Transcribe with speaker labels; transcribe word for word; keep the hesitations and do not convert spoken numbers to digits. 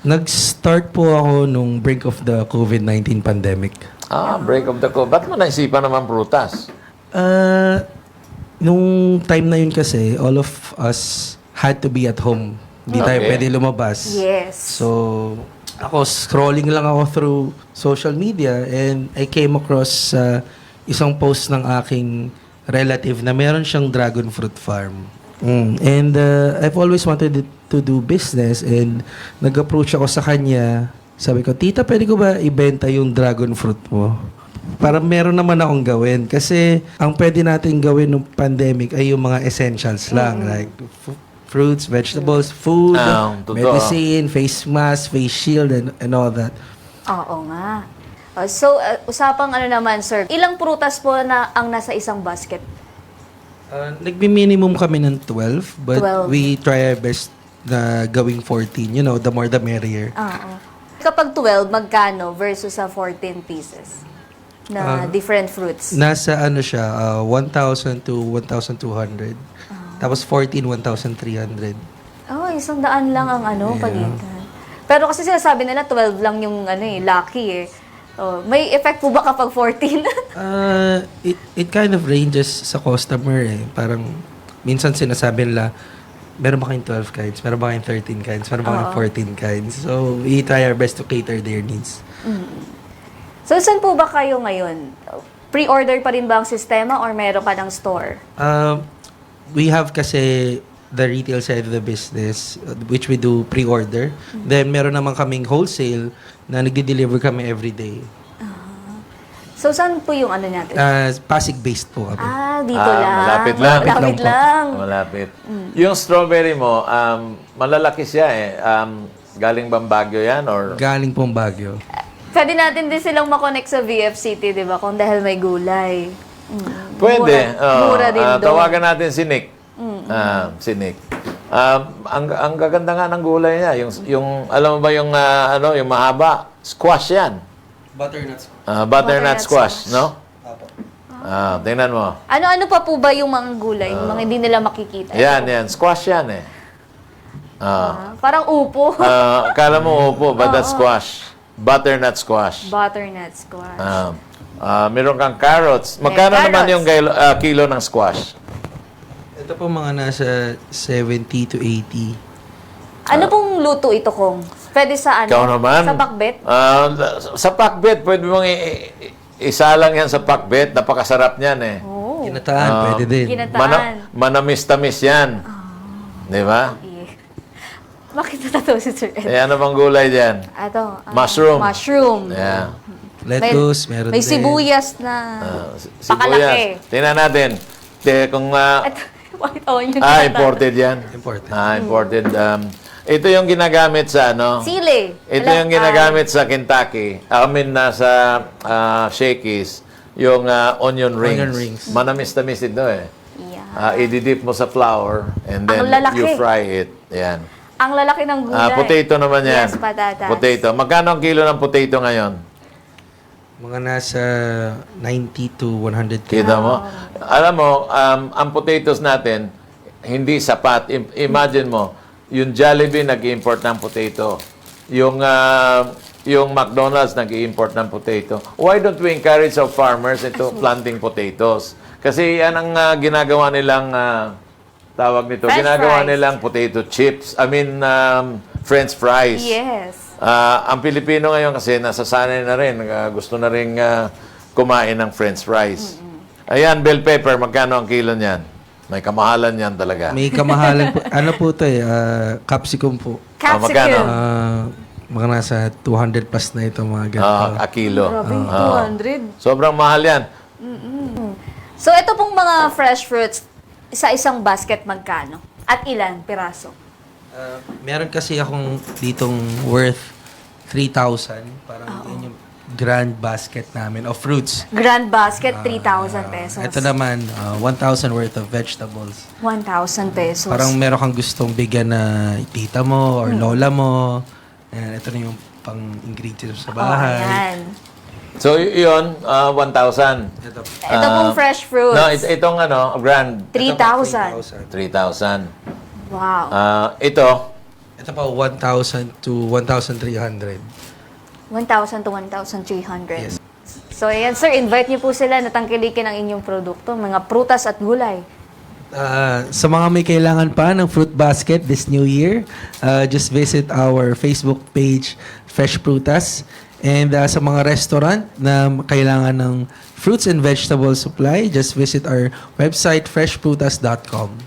Speaker 1: Nag-start po ako nung brink of the COVID nineteen pandemic.
Speaker 2: Ah, break of the code. Ba't mo naisipan naman prutas?
Speaker 1: Uh, nung time na yun kasi, all of us had to be at home. Hindi tayo
Speaker 2: Okay.
Speaker 1: pwede lumabas.
Speaker 3: Yes.
Speaker 1: So, ako scrolling lang ako through social media and I came across uh, isang post ng aking relative na meron siyang dragon fruit farm. Mm. And uh, I've always wanted it to do business and nag-approach ako sa kanya. Sabi ko, tita, pwede ko ba ibenta yung dragon fruit mo? Para meron naman akong gawin. Kasi ang pwede natin gawin ng pandemic ay yung mga essentials lang. Like f- fruits, vegetables, food,
Speaker 2: Ah, totoo.
Speaker 1: medicine, face mask, face shield, and, and all that.
Speaker 3: Oo nga. Uh, so, uh, usapang ano naman, sir, ilang prutas po na ang nasa isang basket?
Speaker 1: Uh, Nagbi-minimum kami ng twelve, but
Speaker 3: twelve.
Speaker 1: we try our best na gawing fourteen. You know, the more the merrier.
Speaker 3: Oo. Kapag twelve, magkano versus sa fourteen pieces na
Speaker 1: Ah.
Speaker 3: different fruits?
Speaker 1: Nasa ano siya, uh, one thousand to one thousand two hundred.
Speaker 3: Ah.
Speaker 1: Tapos fourteen, one thousand three hundred.
Speaker 3: Oh, isang daan lang ang ano,
Speaker 1: Yeah.
Speaker 3: pagitan. Pero kasi sinasabi nila twelve lang yung ano eh, lucky eh. Oh, may effect po ba kapag fourteen?
Speaker 1: Uh, it, it kind of ranges sa customer eh. Parang minsan sinasabi nila, meron ba kayong twelve kinds? Meron ba kayong thirteen kinds? Meron ba kayong
Speaker 3: Oo.
Speaker 1: fourteen kinds? So, we try our best to cater their needs.
Speaker 3: So, saan po ba kayo ngayon? Pre-order pa rin ba ang sistema or meron ka ng store?
Speaker 1: Um, we have kasi the retail side of the business, uh, which we do pre-order. Then, meron naman kaming wholesale na nagdi-deliver kami every day.
Speaker 3: So, saan po yung ano natin?
Speaker 1: Uh, Pasig-based po kami.
Speaker 3: ah, dito
Speaker 2: Ah,
Speaker 3: lang.
Speaker 2: malapit lang.
Speaker 3: Malapit lang.
Speaker 2: Malapit. Yung strawberry mo, um, malalaki siya eh. Um, galing bang Baguio yan? Or...
Speaker 1: Galing pong Baguio.
Speaker 3: Pwede natin din silang makonect sa V F City, di ba? Kung dahil may gulay. Mm.
Speaker 2: Pwede.
Speaker 3: Mura,
Speaker 2: Oo.
Speaker 3: mura din
Speaker 2: Ah,
Speaker 3: doon.
Speaker 2: tawagan natin si Nick. Ah, si Nick. Um, ang, ang gaganda nga ng gulay niya. Yung, yung, alam mo ba yung, ah, ano, yung mahaba? Squash yan.
Speaker 1: Butternuts.
Speaker 2: Ah, butternut
Speaker 3: Butternut
Speaker 2: squash,
Speaker 3: squash.
Speaker 2: no? Ah, tingnan mo.
Speaker 3: Ano-ano pa po ba yung mga gulay? yung mga hindi nila makikita?
Speaker 2: Yan, yan. Squash yan eh. Ah.
Speaker 3: Ah, parang upo.
Speaker 2: Ah, akala mo upo, but that's squash. Butternut squash.
Speaker 3: Butternut squash.
Speaker 2: Ah, ah, meron kang carrots. Magkano
Speaker 3: May
Speaker 2: naman
Speaker 3: carrots.
Speaker 2: yung kilo, ah, kilo ng squash?
Speaker 1: Ito po mga nasa seventy to eighty.
Speaker 3: ano pong luto ito, Kong? Pwede sa ano?
Speaker 2: Ikaw naman.
Speaker 3: Sa bakbet?
Speaker 2: Ah, sa pakbet, pwede mong i- i- isa lang yan sa pakbet. Napakasarap niyan eh.
Speaker 3: Oh.
Speaker 1: Ginataan,
Speaker 2: Ah.
Speaker 1: pwede din.
Speaker 3: Ginataan.
Speaker 2: Mana- manamis-tamis yan. Di ba?
Speaker 3: Eh. Bakit natatawa si Sir Ed?
Speaker 2: Eh, ano bang gulay dyan?
Speaker 3: Ito. ah,
Speaker 2: Mushroom.
Speaker 3: Mushroom.
Speaker 2: Yeah.
Speaker 1: Lettuce, meron
Speaker 3: May
Speaker 1: din.
Speaker 3: sibuyas na
Speaker 2: Ah, si-
Speaker 3: pakalaki.
Speaker 2: sibuyas. Tingnan natin. Te, kung, ah,
Speaker 3: Ito, white onion.
Speaker 2: ah,
Speaker 3: na
Speaker 2: imported yan.
Speaker 1: Important.
Speaker 2: Ah, imported. Um, ito yung ginagamit sa ano?
Speaker 3: Sili.
Speaker 2: Ito
Speaker 3: Alam-
Speaker 2: yung ginagamit sa Kentucky. I mean, nasa uh, Shakey's. Yung ah, onion rings.
Speaker 1: Onion rings.
Speaker 2: Manamis-tamis ito eh.
Speaker 3: Yeah.
Speaker 2: Ah, ididip mo sa flour and then
Speaker 3: Ang lalaki.
Speaker 2: you fry it. Yan.
Speaker 3: Ang lalaki ng gulay.
Speaker 2: Ah, potato naman yan.
Speaker 3: Yes, patatas.
Speaker 2: Potato. Magkano ang kilo ng potato ngayon?
Speaker 1: Mga nasa ninety to one hundred k.
Speaker 2: Kita mo? Alam mo, um, ang potatoes natin, hindi sapat. I- imagine mo, yung Jollibee nag-import ng potato. Yung, ah, yung McDonald's nag-import ng potato. Why don't we encourage our farmers into planting potatoes? Kasi yan ang ah, ginagawa nilang, ah, tawag nito,
Speaker 3: French
Speaker 2: ginagawa
Speaker 3: fries.
Speaker 2: nilang potato chips. I mean, um, French fries.
Speaker 3: Yes.
Speaker 2: Ah, ang Pilipino ngayon kasi nasasanay na rin, ah, gusto na rin ah, kumain ng french fries. Ayan, bell pepper, magkano ang kilo niyan? May kamahalan yan talaga.
Speaker 1: May kamahalan po. Ano po ito eh? ah, capsicum po.
Speaker 2: Ah, magkano?
Speaker 3: Capsicum.
Speaker 1: Ah, mga nasa two hundred plus na ito mga ganito.
Speaker 2: Ah, a kilo.
Speaker 3: Grabe,
Speaker 2: Ah.
Speaker 3: two hundred.
Speaker 2: Sobrang mahal yan.
Speaker 3: So, ito pong mga fresh fruits, sa isang basket magkano? At ilan piraso?
Speaker 1: Ah, meron kasi akong ditong worth three thousand. Parang yun yung grand basket namin of fruits.
Speaker 3: Grand basket, three thousand pesos.
Speaker 1: Ito naman, ah, one thousand worth of vegetables.
Speaker 3: one thousand pesos.
Speaker 1: Parang meron kang gustong bigyan na tita mo or lola mo. Ayan, ito na yung pang-ingredients sa
Speaker 3: Oh,
Speaker 1: bahay.
Speaker 3: ayan.
Speaker 2: So, y- yun, ah, one thousand.
Speaker 1: Ito,
Speaker 3: Ito pong fresh fruits.
Speaker 2: No, it- itong ano, grand,
Speaker 3: three thousand.
Speaker 2: three thousand.
Speaker 3: Wow.
Speaker 2: Ah, ito,
Speaker 1: Ito pa, one thousand to one thousand three hundred.
Speaker 3: one thousand to one thousand three hundred.
Speaker 1: Yes.
Speaker 3: So, ayan, sir, invite niyo po sila na tangkilikin ang inyong produkto, mga prutas at gulay.
Speaker 1: Uh, sa mga may kailangan pa ng fruit basket this new year, uh, just visit our Facebook page, Fresh Prutas. And uh, sa mga restaurant na kailangan ng fruits and vegetable supply, just visit our website, fresh prutas dot com.